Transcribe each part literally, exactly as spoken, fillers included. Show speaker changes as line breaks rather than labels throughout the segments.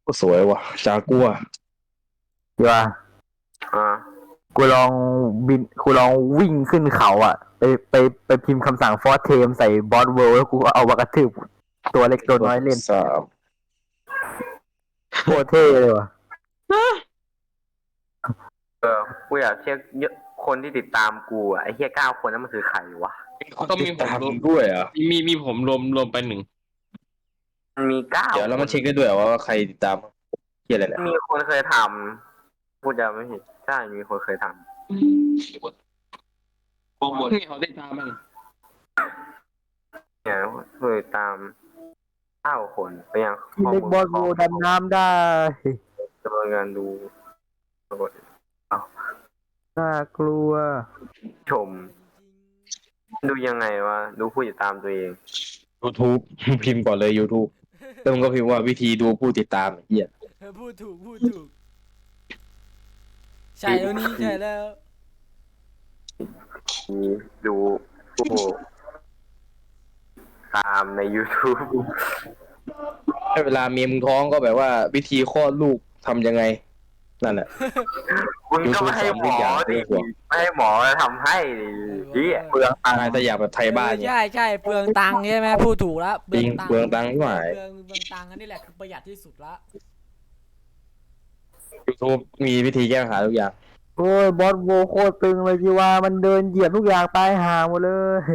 สวยว่ะจากัว
ดีว่า
อ่า
กูลองบินกูลองวิ่งขึ้นเขาอ่ะไปไปไปพิมพ์คำสั่งฟอร์เทมใส่บอสเวิลด์แล้วกูก็เอาวากระทืบตัวเล็กตัวน้อยเล่น
สาม
โคตรเท่เลยว่ะ
เออกูอยากเช็คเยอะคนที่ติดตามกูอ่ะไอ้เหี้ยเก้าคนนั้นมันคือใครวะ
ต้องมีผมรวมด้วยอ่ะ
มีมีผมรวมรวมไปหนึ่ง
มันมีเก้า
เดี๋ยวแล้วมันเช็คได้ด้วยว่าใครติดตามเกี่ยอะไรเนี่ย
มีคนเคยทำพูดจะไม่ผิดใช่มีคนเคยทำ
โปรโมทให้เขาได้ตามมัน
เนี่ยเคยตามเก้าคนไปยัง
ที่เล็กบอสเวิลด์ดำน้ำได้
จำนวนงานดูปรากฏ
น่ากลัว
ชม ดูยังไงวะดูผู้ติดตามตัวเอง
YouTube พิมพ์ก่อนเลย YouTube แล้วมึงก็พิมพ์ว่าวิธีดูผู้ติดตามเหี้ย
พูดถูกพูดถูกใช่แล้วนี่ใช่แล้ว
มีดูผู้ตามใน YouTube
ให้เวลาเมียมึงท้องก็แบบว่าวิธีคลอดลูกทำยังไงนั่นแหละ
มึงก็ไม่ให้หมอดิไม่ให้หมอทำให้ดิเปลือง
อะไรแต่อยากแบบไทยบ้านเนี่ย
ใช่ใช่เปลืองตังค์ใช่ไหมพูดถูกแล้ว
จริงเปลืองตังค์ที่หมาย
เปลืองเปลืองตังค์อันนี้แหละคือประหยัดที่สุดละ
YouTube มีวิธีแก้ปัญหาทุกอย่าง
โอ้ยบอสเวิลด์โคตรตึงเลยจีว่ามันเดินเหยียบทุกอย่างตายห่าหมดเลย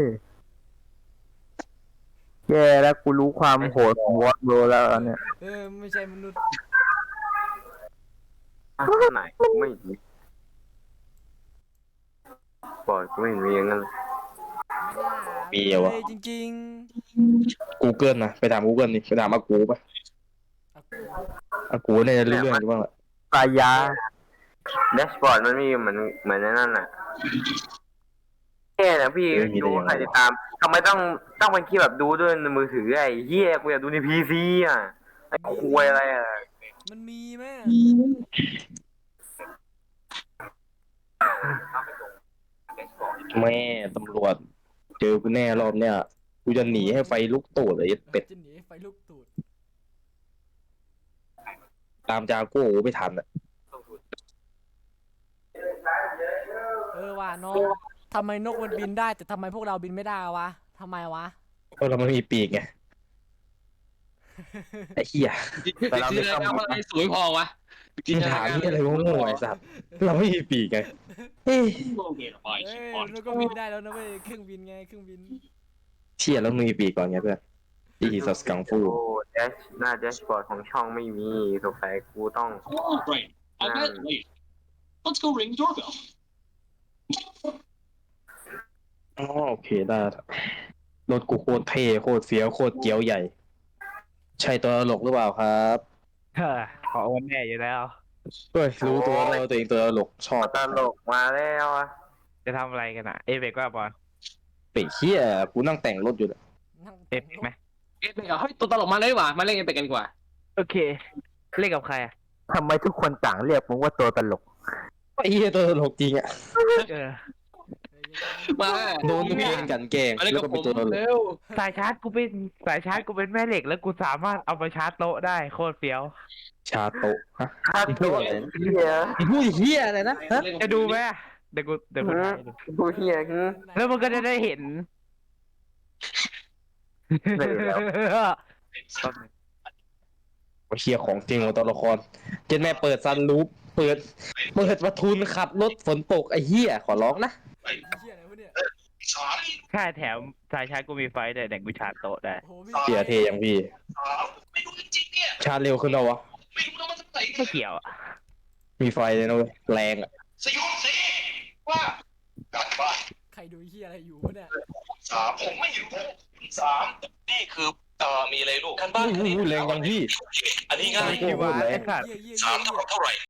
แย่แล้วกูรู้ความโหดของบอสเวิลด์แล้วเนี่ย
เออไม่ใช่มนุษย์
ไหนไม่ดีบอดกูไม่เห็นมีอย่างนั้น
มีเหรอวะ
เลยจริง
Google นะไปถาม Google นี่ไปถามอากูปะ
ๆ
อากูเนี่ยจะรู้เรื่องอยู่บ้างแหละ
ปลายา
แดชบอร์ดมันมีเหมือนเหมือนนั่นน่ะแค่นะพี่ดูใครติดตามทำไมต้องต้องเป็นคลิปแบบดูด้วยในมือถือไอ้เหี้ยกูอยากดูในพีซีอ่ะไอ้ควยอะไรอ่ะ
มันมีไหม
แม่ตำรวจเจอกูแน่รอบเนี้ยกูจะหนีให้ไฟลุกตูดเลยไอ้เป็ด
จะหนีไฟลุกตูด
ตามจากูไม่ทันอ่ะ
เออว่ะนกทำไมนกมันบินได้แต่ทำไมพวกเราบินไม่ได้วะทำไมวะ
เพราะเราไม่มีปีกไงไอ้เหี้ย
แต่เราไม่ทำอะไรสวยพอวะจินต
ถาม
นาการ
นี่อะไรโง่ๆไอ้สัตว์เราไม่มีปีกไงเฮ้ย
โอเคไป
เอ้ยนกก็บินได้แล้วนะเว้ยเครื่องบินไงเครื่องบิน
เชี่ยแล้วมึงมีปีกก่อนไงเพื่อนอีสัสกังฟู
โอ้แดชหน้าแดชบอร์ดของช่องไม่มีสงสัยกูต้อง
Oh, great. I bet. Wait. Let's go ring the doorbell.
อ๋อโอเคได้รถกูโคตรเท่โคตรเฟี้ยวโคตรเจียวใหญ่ ใช่ตัวตลกหรือเปล่าครับ
เฮ้อขอวันแน่อยู่แล้ว
เฮ้ยรู้ตัวแล้วตัวเองตัวตลกชอบ
ตลกมาแล้วอะ
จะทำอะไรกันอ่ะ เอเบกว่าบอล
เป็ดเหี้ยกูนั่งแต่งรถอยู่เลย
นั่ง
เอฟไหม
เอ๊ะเฮ้ยตัวตลกมาเลยว่ะมาเล่นกันไปกันดีกว่า
โอเค เล่นกับใครอ่ะทำไมทุกคนต่างเรียกมึงว่าตัวตลก
ไอ้เหี้ยตัวตลกจริงอ่ะ
เออ
มา
โดนเพื่อนกันแกล้ง
มาเล่น
แล้ว
กั
ก็
บผ
เป็น
ม
ตัวตลก
เร็ว
สายชาร์จกูเป็นสายชาร์จกูเป็นแม่เหล็กแล้วกูสามารถเอาไปชาร์จโต๊ะได้โคตรเฟี้ยว
ชาโตะฮะ
ถ้าตัวเฮีย
พูดเหี้ยอะไรนะฮะ
จะดูไหมอะเดี๋ยวกูเดี๋ยวกูถ่ายให้ดู
กูเฮียคือ
แล้วมันก็จะได้เห็น
ได้อยู่แล้ว
เชียร์ของจริงของตัวละครเจนแม่เปิดซันรูปเปิดเปิดประทุนขับรถฝนตกไอ้เหี้ยขอร้องนะ
เหี้ยอะไรวะเนี่ย
ใช่แถมสายชาร์จกูมีไฟด้วยเดี๋ยวกูชาร์จโต๊ะได้
โอ้โหมี
เชียร์เทอย่างพี่
ไม่รู้จริงๆเนี่ย
ชาร์จเร็วขึ้นแล้ววะ
ไม่รู้นะมันจะไหน
ไม่เกี่ยวอะ
มีไฟเลยนะเว้ยแรงอ่ะ
สยองสิว่ากันบ้าน
ใครดูเหี้ยอะไรอยู่วะเนี่ย
สามผมไม่รู้สามนี่คือเอ่อมีอะไรลูกกันบ้านอันนี้
แรงจังพี่
อันนี้ง่าย
โอ้โหแรง
ไอ้สัตว์
เหี้ยเหี้ย
สาม
เหี้
เท่าย กับเท่าไหร่